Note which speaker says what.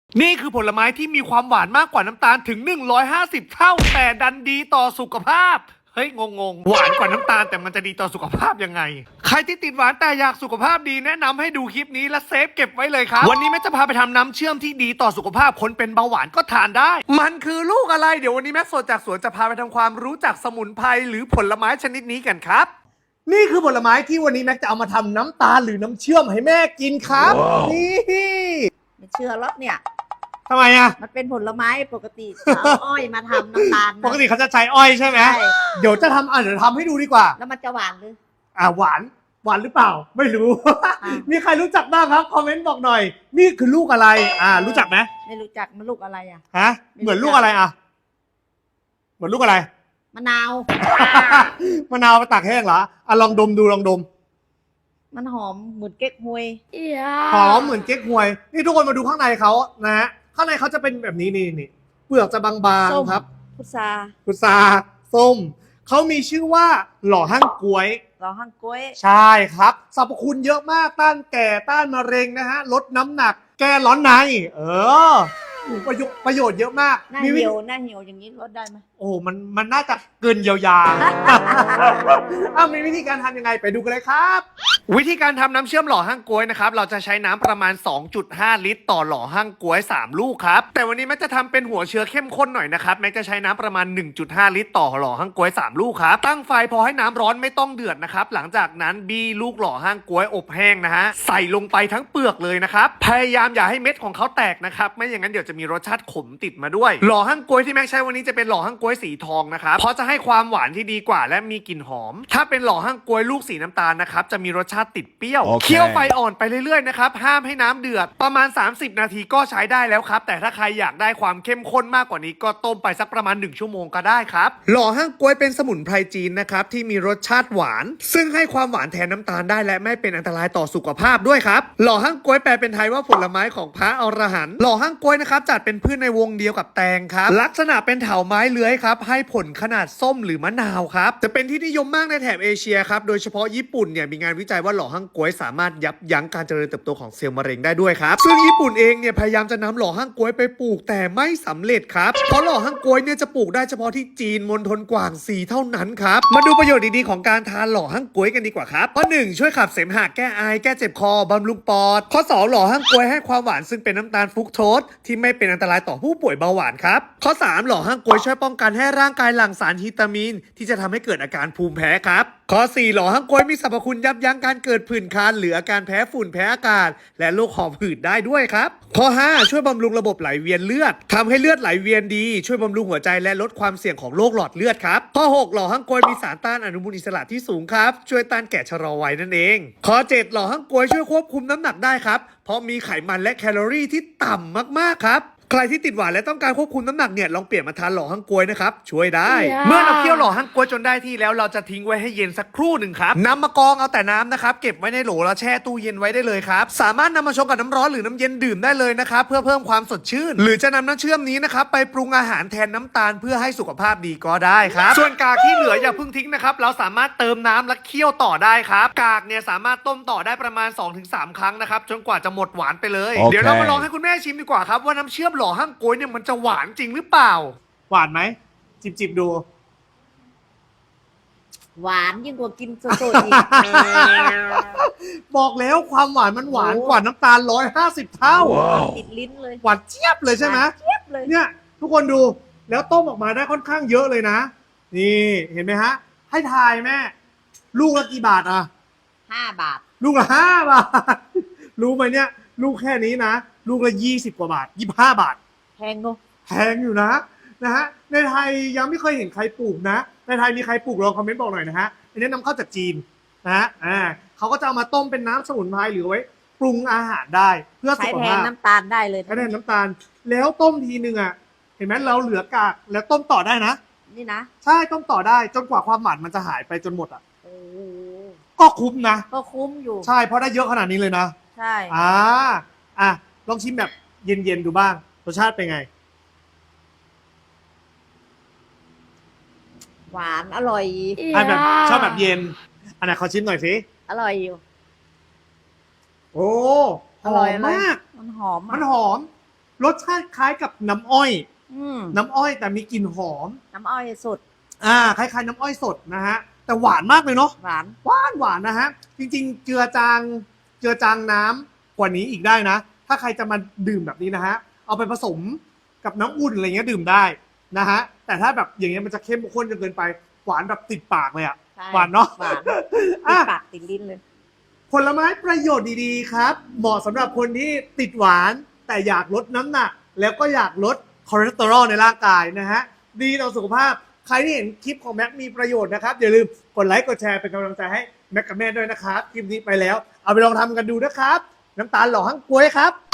Speaker 1: นี่คือผลไม้ที่มีความหวานมากกว่าน้ำตาลถึง150เท่าแต่ดันดีต่อสุขภาพเฮ้ยงงหวานกว่าน้ำตาลแต่มันจะดีต่อสุขภาพยังไงใครที่ติดหวานแต่อยากสุขภาพดีแนะนำให้ดูคลิปนี้และเซฟเก็บไว้เลยครับวันนี้แม่จะพาไปทำน้ำเชื่อมที่ดีต่อสุขภาพคนเป็นเบาหวานก็ทานได้มันคือลูกอะไรเดี๋ยววันนี้แม่สดจากสวนจะพาไปทำความรู้จักสมุนไพรหรือผลไม้ชนิดนี้กันครับนี่คือผลไม้ที่วันนี้แม็กจะเอามาทำน้ำตาลหรือน้ำเชื่อมให้แม่กินครับนี่
Speaker 2: ไม่เชื่อหรอกเนี่ย
Speaker 1: ทำไมอะ
Speaker 2: มันเป็นผลไม้ปกติเอาอ้อยมาทำน้ำตาลนะ
Speaker 1: ปกติเขาจะใช้อ้อยใช่ไหม
Speaker 2: ใช่
Speaker 1: เดี๋ยวจะทำเดี๋ยวทำให้ดูดีกว่า
Speaker 2: แล้วมันจะหวานหรือ
Speaker 1: หวานหรือเปล่า ไม่รู้
Speaker 2: อ่ะ
Speaker 1: มีใครรู้จักบ้างครับ คอมเมนต์บอกหน่อย นี่คือลูกอะไร รู้จักไหม
Speaker 2: ไม่รู้จักมันลูกอะไรอ่ะ
Speaker 1: ฮะ เหมือนลูกอะไรเหมือนลูกอะไร
Speaker 2: มะนาว
Speaker 1: มะนาวไปตากแห้งเหรอลองดมดูลองดม
Speaker 2: มันหอมเหมือนเก๊กฮวย
Speaker 1: หอมเหมือนเก๊กฮวย นี่ทุกคนมาดูข้างในเขานะฮะ ข้างในเขาจะเป็นแบบนี้นี่เปลือกจะบาง
Speaker 2: ส้ม
Speaker 1: ๆครับ
Speaker 2: พุทรา
Speaker 1: พุทราส้ม เขามีชื่อว่าหล่อหั่งก๊วย
Speaker 2: เราหั่งกล้วย
Speaker 1: ใช่ครับสรรพคุณเยอะมากต้านแก่ต้านมะเร็งนะฮะลดน้ำหนักแก้ร้อนในประโยชน์เยอะมาก
Speaker 2: หน้า
Speaker 1: มี
Speaker 2: เหี่ยวอย่างนี้ลดได้ไหม
Speaker 1: โอ้มันน่าจะเกินเยียวยา มีวิธีการทำยังไงไปดูกันเลยครับ วิธีการทำน้ำเชื่อมหล่อหั่งก๊วยนะครับเราจะใช้น้ำประมาณ 2.5 ลิตรต่อหล่อหั่งก๊วย3 ลูกครับแต่วันนี้แม็กจะทำเป็นหัวเชื้อเข้มข้นหน่อยนะครับแม็กจะใช้น้ำประมาณ 1.5 ลิตรต่อหล่อหั่งก๊วย3 ลูกครับตั้งไฟพอให้น้ำร้อนไม่ต้องเดือดนะครับหลังจากนั้นบี้ลูกหล่อหั่งก๊วยอบแห้งนะฮะใส่ลงไปทั้งเปลือกเลยนะครับพยายามอย่าให้เม็ดของเขาแตกนะครับไม่อย่างนั้นเดี๋ยวจะมีรสชาติขมติดมาด้วยหล่อหั่งก๊วยที่แม็กใช้วันนี้จะเป็นหล่อหั่งก๊วยสีทองนะครับเพราะจะให้ความหวานที่ดีกว่าและมีกลิ่นหอมถ้าเป็นหล่อหั่งก๊วยลูกสีน้ำตาลนะครับจะมีรสชาติติดเปรี้ยว
Speaker 3: โอเค
Speaker 1: เคี่ยวไฟอ่อนไปเรื่อยๆนะครับห้ามให้น้ำเดือดประมาณ30 นาทีก็ใช้ได้แล้วครับแต่ถ้าใครอยากได้ความเข้มข้นมากกว่านี้ก็ต้มไปสักประมาณ1 ชั่วโมงก็ได้ครับหล่อหั่งก๊วยเป็นสมุนไพรจีนนะครับที่มีรสชาติหวาน ซึ่งให้ความหวานแทนน้ำตาลได้และไม่เป็นอันตรายต่อสุขภาพด้วยครับหล่อหั่งก๊วยแปลเป็นไทยว่าผลไม้ของพระอรหันต์หล่อหั่งก๊วยนะครับจัดเป็นพืชในวงเดียวกับแตงครับลักษณะเป็นเถาไม้เลื้อยครับให้ผลขนาดส้มหรือมะนาวครับจะเป็นที่นิยมมากในแถบเอเชียครับโดยเฉพาะญี่ปุ่นเนี่ยมีงานวิจัยว่าหล่อหั่งก๊วยสามารถยับยั้งการเจริญเติบโตของเซลล์มะเร็งได้ด้วยครับซึ่งญี่ปุ่นเองเนี่ยพยายามจะนำหล่อหั่งก๊วยไปปลูกแต่ไม่สำเร็จครับเพราะหล่อหั่งก๊วยเนี่ยจะปลูกได้เฉพาะที่จีนมณฑลกวางซีเท่านั้นครับมาดูประโยชน์ดีๆของการทานหล่อหั่งก๊วยกันดีกว่าครับข้อ1ช่วยขับเสมหะแก้ไอแก้เจ็บคอบำรุงปอดข้อ2หล่อหั่งก๊วยให้ความหวานซึ่งเป็นน้ำตาลฟรุกโตสที่ไม่เป็นอันตรายต่อผู้ป่วยเบาหวานครับข้อ3หล่อหั่งก๊วยช่วยป้องกันให้ร่างกายหลั่งสารฮิตามีนที่จะทำให้เกิดอาการภูมิแพ้ครับข้อ4หล่อหั่งก๊วยมีสรรพคุณยับยั้งการเกิดผื่นคันหรืออาการแพ้ฝุ่นแพ้อากาศและโรคหอบหืดได้ด้วยครับข้อ5ช่วยบำรุงระบบไหลเวียนเลือดทำให้เลือดไหลเวียนดีช่วยบำรุงหัวใจและลดความเสี่ยงของโรคหลอดเลือดครับข้อ6หล่อหั่งก๊วยมีสารต้านอนุมูลอิสระที่สูงครับช่วยต้านแก่ชะลอวัยนั่นเองข้อ7หล่อหั่งก๊วยช่วยควบคุมน้ำหนักได้ครับเพราะมีไขมันและแคลอรี่ที่ต่ำมากๆครับใครที่ติดหวานและต้องการควบคุมน้ำหนักเนี่ยลองเปลี่ยนมาทานหล่อหั่งก๊วยนะครับช่วยได้ เมื่อเราเคี่ยวหล่อหั่งก๊วยจนได้ที่แล้วเราจะทิ้งไว้ให้เย็นสักครู่หนึ่งครับนำมากรองเอาแต่น้ำนะครับเก็บไว้ในโหลแล้วแช่ตู้เย็นไว้ได้เลยครับสามารถนำมาชงกับน้ำร้อนหรือน้ำเย็นดื่มได้เลยนะครับเพื่อเพิ่มความสดชื่นหรือจะนำน้ำเชื่อมนี้นะครับไปปรุงอาหารแทนน้ำตาลเพื่อให้สุขภาพดีก็ได้ครับส่วนกากที่เหลืออย่าเพิ่งทิ้งนะครับเราสามารถเติมน้ำและเคี่ยวต่อได้ครับกากเนี่ยสามารถต้มต่อได้ประมาณ 2-3 ครั้งนะครับจนกว่าจะหมดหวานไปเลย
Speaker 3: โอเค
Speaker 1: เดี๋ยวเรามาลองให้คุณแม่ชิมดีกว่าครับว่าน้ำเชื่อมหล่อหั่งก๊วยเนี่ยมันจะหวานจริงหรือเปล่าหวานไหมจิบดู
Speaker 2: หวานยิ่งกว่ากินสดๆอีก
Speaker 1: บอกแล้วความหวานมันหวาน
Speaker 2: โอ้
Speaker 1: กว่าน้ำตาล150 เท่า
Speaker 2: ติดลิ้นเลย
Speaker 1: หวานเจี๊ยบเลยใช่ไหม
Speaker 2: เจี๊ยบเลย
Speaker 1: เนี่ยทุกคนดูแล้วต้มออกมาได้ค่อนข้างเยอะเลยนะ นี่เห็นไหมฮะ ให้ทายแม่ ลูกละกี่บาทอะ
Speaker 2: 5 บาท
Speaker 1: ลูกละ5 บาท รู้ไหมเนี่ย ลูกแค่นี้นะ ลูกละ20 กว่าบาท25 บาท
Speaker 2: แพงเนอะ
Speaker 1: แพงอยู่นะฮะในไทยยังไม่เคยเห็นใครปลูกนะในไทยมีใครปลูกลองคอมเมนต์บอกหน่อยนะฮะอันนี้นำเข้าจากจีนนะฮะเขาก็จะเอามาต้มเป็นน้ำสมุนไพรหรือไว้ปรุงอาหารได้เพื่อ
Speaker 2: ใช้
Speaker 1: สุข
Speaker 2: แทน
Speaker 1: ภาพ
Speaker 2: น้ำตาลได้เลย
Speaker 1: ใช้แทนน้ำตาลแล้วต้มทีนึงอ่ะเห็นไหมเราเหลือกากแล้วต้มต่อได้นะ
Speaker 2: นี่นะ
Speaker 1: ใช่ต้มต่อได้จนกว่าความหวานมันจะหายไปจนหมดอ่ะ
Speaker 2: โอ้โห
Speaker 1: ก็คุ้มนะ
Speaker 2: ก็คุ้มอยู่
Speaker 1: ใช่เพราะได้เยอะขนาดนี้เลยนะ
Speaker 2: ใช่
Speaker 1: ลองชิมแบบเย็นๆดูบ้างรสชาติเป็นไง
Speaker 2: หวานอร่อย
Speaker 1: แบบชอบแบบเย็นอันไหนขอชิมหน่อยสิ
Speaker 2: อร่อยอยู่
Speaker 1: โอ้ห
Speaker 2: อร่
Speaker 1: อ
Speaker 2: อย
Speaker 1: มมาก
Speaker 2: มันหอม
Speaker 1: มัน
Speaker 2: อ่ะ
Speaker 1: หอมรสชาติคล้ายกับน้ำอ้อย
Speaker 2: ม
Speaker 1: น้ำอ้อยแต่มีกลิ่นหอม
Speaker 2: น้ำอ้อยสด
Speaker 1: คล้ายๆน้ำอ้อยสดนะฮะแต่หวานมากเลยเนาะ
Speaker 2: หวาน
Speaker 1: หวานนะฮะจริงๆเจือจางน้ำกว่านี้อีกได้นะ ถ้าใครจะมาดื่มแบบนี้นะฮะเอาไปผสมกับน้ำอุ่นอะไรเงี้ยดื่มได้นะฮะแต่ถ้าแบบอย่างเงี้ยมันจะเข้มข้นจนเกินไปหวานแบบติดปากเลยอะ
Speaker 2: ใช่
Speaker 1: หวานเนาะ
Speaker 2: หวานติ
Speaker 1: อ่ะ
Speaker 2: ดปากติดลิ้นเลย
Speaker 1: ผลไม้ประโยชน์ดีๆครับ เหมาะสำหรับคนที่ติดหวานแต่อยากลดน้ำหนัก แล้วก็อยากลดคอเลสเตอรอลในร่างกายนะฮะดีต่อสุขภาพใครที่เห็นคลิปของแม็กมีประโยชน์นะครับอย่าลืมกดไลค์กดแชร์เป็นกำลังใจให้แม็กกับแม่ด้วยนะครับคลิปนี้ไปแล้วเอาไปลองทำกันดูนะครับน้ำตาลหล่อหั่งก๊วยครับ